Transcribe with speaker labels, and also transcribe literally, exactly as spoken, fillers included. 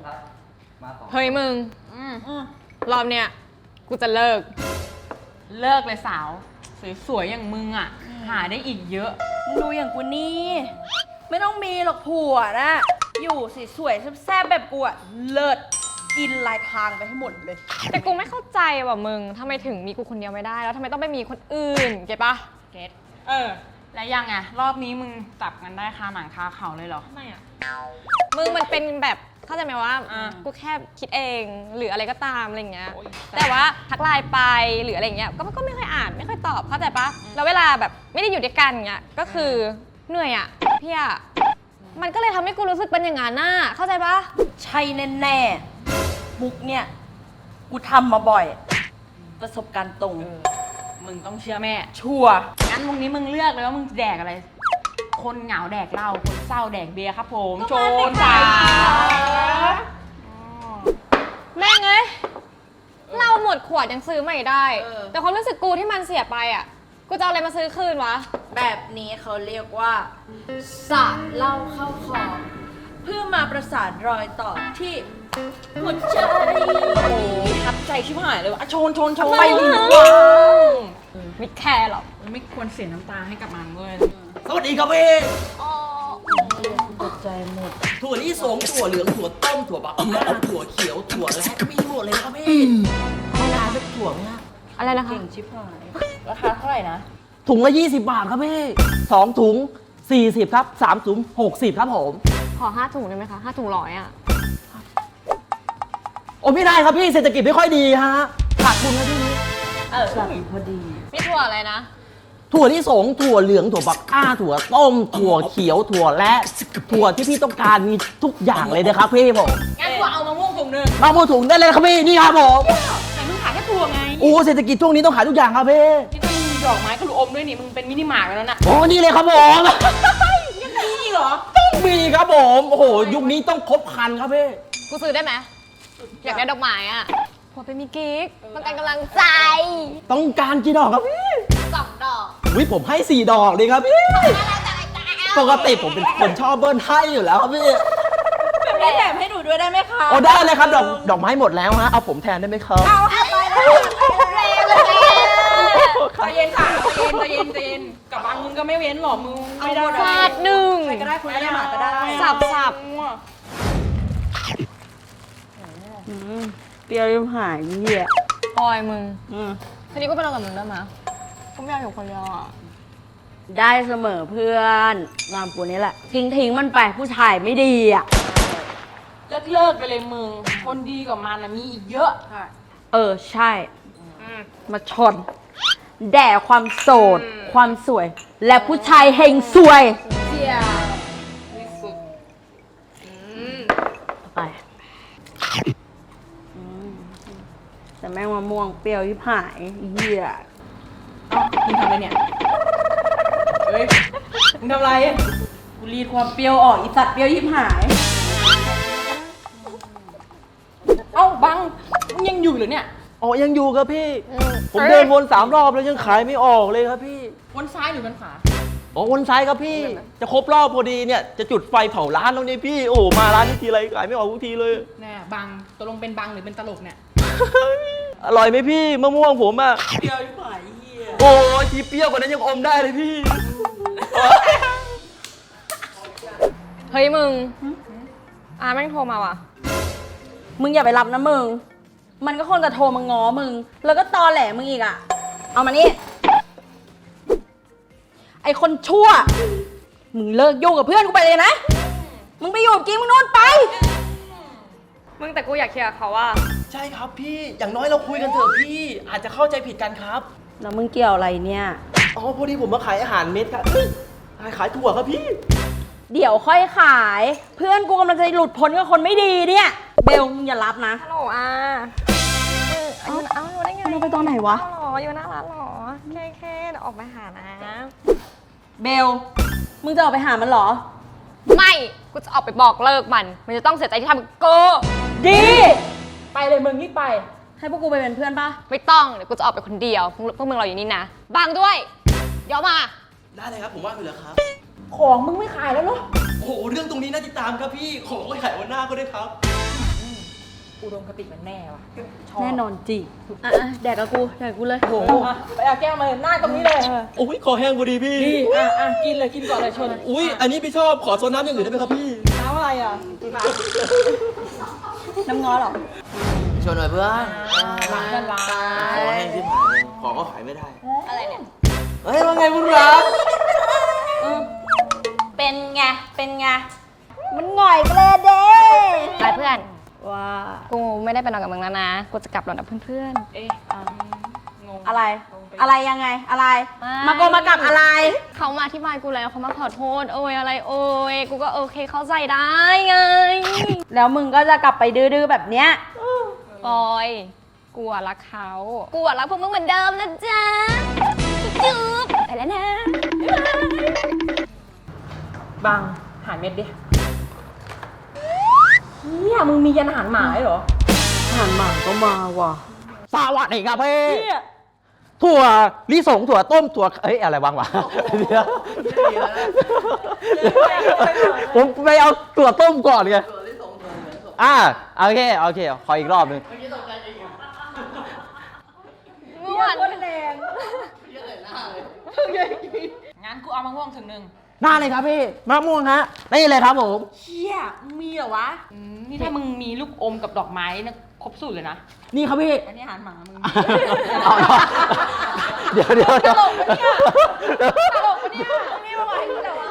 Speaker 1: ครับมาสอง
Speaker 2: เฮ้ยมึงรอบเนี้ยกูจะเลิก
Speaker 3: เลิกเลยสาวสวยๆอย่างมึงอ่ะหาได้อีกเยอะ
Speaker 4: มึงดูอย่างกูนี่ไม่ต้องมีหรอกผัวนะอยู่สวยๆแซ่บๆแบบกูอะเลิศกินลายทางไปให้หมดเลย
Speaker 2: แต่กูไม่เข้าใจว่ะมึงทำไมถึงมีกูคนเดียวไม่ได้แล้วทำไมต้องไปมีคนอื่นเก็ตปะ
Speaker 3: เก็ตเออแล้วยังไงรอบนี้มึงจับกันได้คาหนังคาเขาเลยเหรอ
Speaker 2: ไม่อะมึงมันเป็นแบบเข้าใจไหมว่า
Speaker 3: อ่า
Speaker 2: กูแค่คิดเองหรืออะไรก็ตามอะไรเงี้ยแต่ว่าทักไลน์ไปหรืออะไรเงี้ยก็ก็ไม่ค่อยอ่านไม่ค่อยตอบเข้าใจปะแล้วเวลาแบบไม่ได้อยู่ด้วยกันเงี้ยก็คือเหนื่อยอะพี่อะมันก็เลยทำให้กูรู้สึกเป็นอย่างนั้นน่ะเข้าใจปะ
Speaker 4: ใช่แน่ๆมุกเนี่ยกูทำมาบ่อย ประสบการณ์ตรง
Speaker 3: มึงต้องเชื่อแม่
Speaker 4: ชัวร์
Speaker 3: งั้นวงนี้มึงเลือกเลยว่ามึงแดกอะไร คนเหงาแดกเหล้าคนเศร้าแดกเบียร์ครับผมโจนจ้า
Speaker 2: แม่งเอ้ยเราหมดขวดยังซื้อใหม่ได้แต่ความรู้สึกกูที่มันเสียไปอ่ะกูจะเอาอะไรมาซื้อคืนวะ
Speaker 4: แบบนี้เขาเรียกว่าสาดเหล้าเข้าคอเพื่อมาประสานรอยต่อที่หัวใจ
Speaker 3: โอ้ทับใจชิบหายเลยว่ะอ่ะโชนโชนโชน
Speaker 4: ไปดีกว่า
Speaker 2: ไม่แคร์หรอก
Speaker 3: ไม่ควรเสียน้ำตาให้กับมันเลย
Speaker 1: สวัสดีครับพี่
Speaker 4: ตกใจหมด
Speaker 1: ถั่วลิสงถั่วเหลืองถั่วต้มถั่วบักหน้าถั่วเขียวถั่วและมีหมดเลยนะครับพี่ไม่ร้านสักถั่วไหมฮะ
Speaker 2: อะไรนะคะ
Speaker 4: เก่งชิบหายราคาเท่าไหร่นะ
Speaker 1: ถุงละยี่สิบบาทครับพี่สองถุงสี่สิบครับสามถุงหกสิบครับผม
Speaker 2: ขอห้าถุงได้ไหมคะห้าถุงร้อยอ่ะ
Speaker 1: โอ้ไม่ได้ครับพี่เศรษฐกิจไม่ค่อยดีฮะขาดทุนครับพี่
Speaker 4: เออแบบพอดี
Speaker 2: พี่ถั่วอะไรนะ
Speaker 1: ถั่วลิสงถั่วเหลืองถั่วบักอ้าถั่วต้มถั่วเขียวถั่วและถั่วที่พี่ต้องการมีทุกอย่างเลยนะครับพี่ผม
Speaker 3: งั้นกูเอามะม่วงถุงหนึ่ง
Speaker 1: มาพูดถุงได้เลยครับพี่นี่ครับผม
Speaker 3: แต่มึงขายแค่ถั่วไง
Speaker 1: โอ้เศรษฐกิจช่วงนี้ต้องขายทุกอย่างครับพี่
Speaker 3: นี่ต้องมีดอกไม้กระลูกอมด้วยนี่มึงเป็นมินิมาร์ทแล้วนะ
Speaker 1: โอ้นี่เลยครับผม
Speaker 3: ยังมีเหรอ
Speaker 1: ต้องมีครับผมโอ้โหยุคนี้ต้องครบครันครับพี่
Speaker 2: กูซื้อได้ไหมอยากได้ดอกไม้อ่ะผัวเป็นมีกิ๊กต้องการกำลังใจ
Speaker 1: ต้องการกี่ดอกครับพี่
Speaker 2: สองดอก
Speaker 1: วิผมให้สี่ดอกเลยครับพี่ปกติผมเป็นคนชอบเบิ้ลให้อยู่แล้วครับพี่
Speaker 4: แบบนี้แถมให้หนูด้วยได้ไหมคะ
Speaker 1: โอ้ได้เลยครับดอกดอกไม้หมดแล้วฮะเอาผมแทนได้ไหมครับ
Speaker 4: เอาไปได้แรงเลย
Speaker 3: ใจเย็นค่ะใจเย็นใจเย็นใจเย็นกับบางมึงก็ไม่เว้นหรอกมึงไม่ได้
Speaker 2: ฟาดหนึ่ง
Speaker 4: ใครก็ได้คุณได้หมาก็ได้
Speaker 2: สับสับ
Speaker 4: เปรี้ยวยิ่งหายเหี้ย
Speaker 2: ปอยมึงทีนี้ก็ไปนอนกับมึงได้ไหมก็ไม่อยากอยู่คนเดียวอ่ะ
Speaker 4: ได้เสมอเพื่อนงามกูนี้แหละ ทิ้งทิ้งมันไปผู้ชายไม่ดีอ่ะ
Speaker 3: เลิกเลิกไปเลยมึงคนดีกว่ามันนะมีอีกเยอะ
Speaker 4: เออใช่ มาชน แด่ความโสด ความสวย และผู้ชายเฮงสวย
Speaker 3: เสียที่สุด
Speaker 4: ไปอืมแต่แม่งมะม่วงเปรี้ยวยิบหายเหี้ย
Speaker 3: เอ้ามึงทำอะไรเนี่ยเฮ้ยมึงทำอะไร
Speaker 4: กูรีดความเปรี้ยวออกอีสัตว์เปรี้ยวยิบหาย
Speaker 3: เอ้าบังมึงยังอยู่เหรือเนี่ย
Speaker 1: อ๋อยังอยู่ครับพี่ ผมเดินวนสามรอบแล้วยังขายไม่ออกเลยครับพี่
Speaker 3: วนซ้ายหรือวนขวา
Speaker 1: อ๋อวนซ้ายครับพี่ จะครบรอบพอดีเนี่ยจะจุดไฟเผาร้านแล้วเนี่ยพี่โอ้มาร้านนี้ทีไรขายไม่ออกทุกทีเลย
Speaker 3: แน่บังตกลงเป็นบังหรือเป็นตลกเนี่ย
Speaker 1: อร่อยไหมพี่มะม่วงผมอะ
Speaker 4: เปรี้ยวยิบหายเหี้ย
Speaker 1: โอ้ยทีเปรี้ยวกว่านั้นยังอมได้เลยพี่
Speaker 2: เฮ้ยมึงอาแม่งโทรมาว่ะ
Speaker 4: มึงอย่าไปรับนะมึง มันก็คงจะโทรมาง้อมึง แล้วก็ตอแหลมึงอีกอ่ะ เอามานี่ ไอคนชั่ว มึงเลิกยุ่งกับเพื่อนกูไปเลยนะ มึงไปอยู่กับกิ๊กมึงนู่นไป
Speaker 2: มึงแต่กูอยากเคลียร์กับเขาว่า
Speaker 1: ใช่ครับพี่อย่างน้อยเราคุยกันเถอะพี่ อาจจะเข้าใจผิดกันครับ
Speaker 4: แล้วมึงเกี่ยวอะไรเนี่ย
Speaker 1: อ๋อพอดีผมมาขายอาหารเม็ดครับเฮ้ยขายถั่วครับพี่
Speaker 4: เดี๋ยวค่อยขาย เพื่อนกูกำลังจะหลุดพ้นกับคนไม่ดีเนี่ย เบลมึงอย่ารับนะ
Speaker 2: ฮัลโหลอาเออเอาอยู่ได้ไง
Speaker 4: มันไปตอนไหนวะ
Speaker 2: เอาหรออยู่หน้าร้านหรอแค่แค่เดี๋ยวออกไปหานะ
Speaker 4: เบล มึงจะออกไปหามันเหรอ
Speaker 2: ไม่ กูจะออกไปบอกเลิกมัน มันจะต้องเสียใจที่ทำกับกู
Speaker 4: ดี
Speaker 3: ไปเลยมึงรีบไป
Speaker 4: ให้พวกกูไปเป็นเพื่อนปะ
Speaker 2: ไม่ต้อง เดี๋ยวกูจะออกไปคนเดียว พวกพวกมึงรออยู่นี่นะบางด้วย เดี๋ยวมา
Speaker 1: ได้เลยครับผมว่างอยู่แล้วครับ
Speaker 3: ของมึงไม่ขายแล้วเหรอ
Speaker 1: โอ้โหเรื่องตรงนี้น่าติดตามครับพี่ของไว้ขายวันหน้าก็ได้ครับ
Speaker 3: มอุดมคติมันแน่ว่ะชบ
Speaker 4: แน่นอนจริงอ่ะอ่ะแดกกับกูแดกกับกูเลย
Speaker 3: โอ้โหอ่ะไปเอาแก้วมาเลยหน้าตรงนี้เลย
Speaker 5: อุ้ยคอแห้งพอดีพี่
Speaker 3: นี่อ่ะอ่ะกินเลยกินก่อนเลยชน
Speaker 5: อุ้ยอันนี้พี่ชอบขอโซนน้ำอย่างอื่นได้ไหมครับพี่
Speaker 3: น้ำอะไรอ่ะ
Speaker 4: น้ำง้อเหรอ
Speaker 1: ชวนหน่อยเพื่อน
Speaker 3: ร้านกันร้าน
Speaker 1: ขอแห้งที่ผ่านเลยขอก็ขายไม่ได้
Speaker 4: อะไรเนี่ย
Speaker 1: เฮ้ยว่าไงมึงรัก
Speaker 4: เป็นไง เป็นไง มันหง่อยไปเลยเด้
Speaker 2: ไปเพื่อน
Speaker 4: ว้า
Speaker 2: กูไม่ได้ไปนอนกับมึงแล้วนะ กูจะกลับนอนกับเพื่อน
Speaker 3: เอ๊ะอ่ะงง
Speaker 4: อะไร
Speaker 3: งงป
Speaker 4: อะไรยังไง อะไร
Speaker 2: ไม่
Speaker 4: มาโกมากับอะไร
Speaker 2: ๆเขามาอธิบายกูแล้วเขามาขอโทษ โอ้ยอะไรโอ้ยกูก็โอเคเข้าใจได้ไง
Speaker 4: แล้วมึงก็จะกลับไปดื้อๆแบบเนี้ย
Speaker 2: ปอยกูอะรักเขากูอะรักพวกมึงเหมือนเดิมนะจ๊ะจุ๊บๆไปแล้วนะบ๊ายบาย
Speaker 3: บังหารเม็ดดิเนี่ยมึงมียันอาหารหมาด้วยเหรอ
Speaker 4: อาหารหมาก็มาว่ะ
Speaker 1: สวัสดีครับพี่ถั่วลิสงถั่วต้มถั่วเอ้ยอะไรบ้างวะเดี๋ยวผมไปเอาถั่วต้มก่อนไงอ่าโอเคโอเคขออีกรอบหนึง
Speaker 2: ม่วน
Speaker 3: งั้นกูเอามะม่วงถึงหนึ่ง
Speaker 1: หน้าเลยครับพี่มะม่วงฮะนี่เลยครับผม
Speaker 3: เชี่ยมึงมีเหรอวะอืมนี่ถ้ามึงมีลูกอมกับดอกไม้นะครบสูตรเลยนะ
Speaker 1: นี่ครับพี่
Speaker 3: อันนี้อาหารหมามึง
Speaker 1: เอาเดี๋ยวเดี๋ยวเดี๋ยว
Speaker 3: ตลกปะเนี่ยตลกปะเนี่ยนี่มาไหวกูแต่วะ